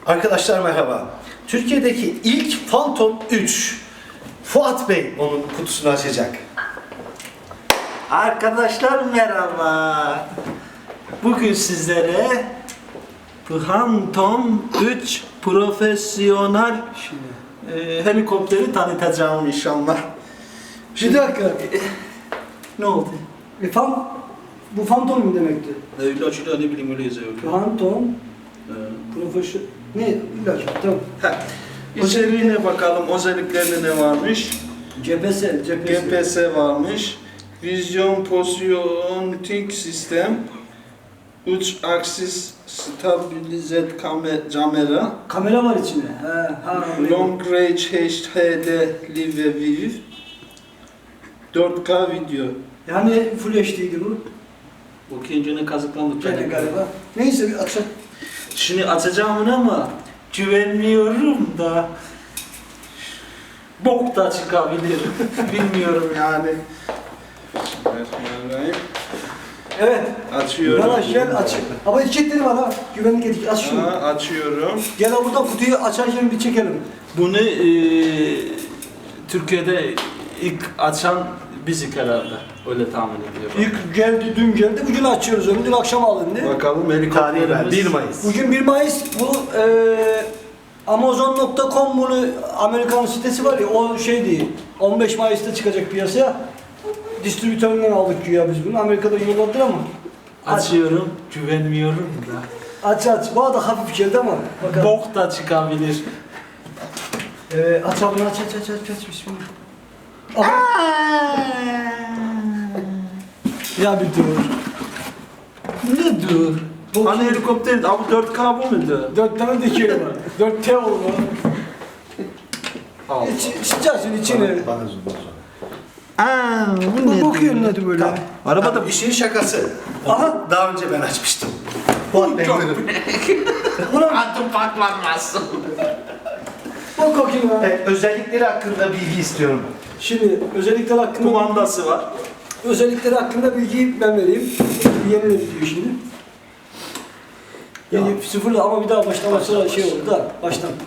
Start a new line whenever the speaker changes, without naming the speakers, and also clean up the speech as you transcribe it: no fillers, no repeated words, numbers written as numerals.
Arkadaşlar merhaba. Türkiye'deki ilk Phantom 3. Fuat Bey onun kutusunu açacak.
Arkadaşlar merhaba. Bugün sizlere Phantom 3 profesyonel helikopteri tanıtacağım inşallah.
Bir dakika.
Ne oldu?
Bu Phantom mu demekti?
Öyle açılıyor, ne bileyim öyle yazıyor.
Phantom profesyonel... Ne? Bir dakika, tamam.
İçeriğine bakalım, özelliklerinde ne varmış? GPS varmış. Vizyon Positioning Sistem, 3 aksis stabilize kamera,
Kamera var içinde.
Long Range HD Live ve Viv, 4K video.
Yani Full HD'ydi bu.
Bu kendine kazıklandık.
Gene galiba. Neyse bir açalım.
Şimdi açacağım onu ama güvenmiyorum da bok da çıkabilir. Bilmiyorum yani. Bismillahirrahmanirrahim.
Evet.
Açıyorum.
Yavaş gel aç. Ama etiketleri var ha. Güvenlik etiketi. Aç şunu.
Açıyorum.
Gel ha buradan kutuyu açarken bir çekelim.
Bunu Türkiye'de ilk açan bizik herhalde. Öyle tahmin ediyorum.
İlk geldi, dün geldi. Bugün açıyoruz onu. Dün akşam alındı.
Bakalım
Tarihi ver,
helikopterimiz.
1 Mayıs.
Bugün 1 Mayıs bu Amazon.com bunu Amerikan sitesi var ya o şey değil. 15 Mayıs'ta çıkacak piyasaya. Distribütöründen aldık güya biz bunu. Amerika'da yolladılar ama.
Açıyorum. Güvenmiyorum da.
Aç. Bana da hafif geldi ama. Bakalım.
Bok da çıkabilir.
Aç abla aç. Bismillah. Aha. Ya bir dur.
Ne dur?
Bu
Hani
kim?
helikopter, abi 4K bu muydu?
4 tane dikey var. 4T oldu.
Allah.
Sıcaksın içine.
Bana zoom.
Bu bakıyorsun hadi böyle.
Arabada bir şeyin şakası.
Aha.
Daha önce ben açmıştım. Fuat Bey buyurun.
Adım patlanmasın.
Bak bakayım ha.
Özellikleri hakkında bilgi istiyorum.
Şimdi özellikler hakkında
Kumandası var.
özellikleri hakkında bilgiyi ben vereyim. Yenile diyor şimdi. Yeni sıfırla ama bir daha baştan başla şey oldu da baştan.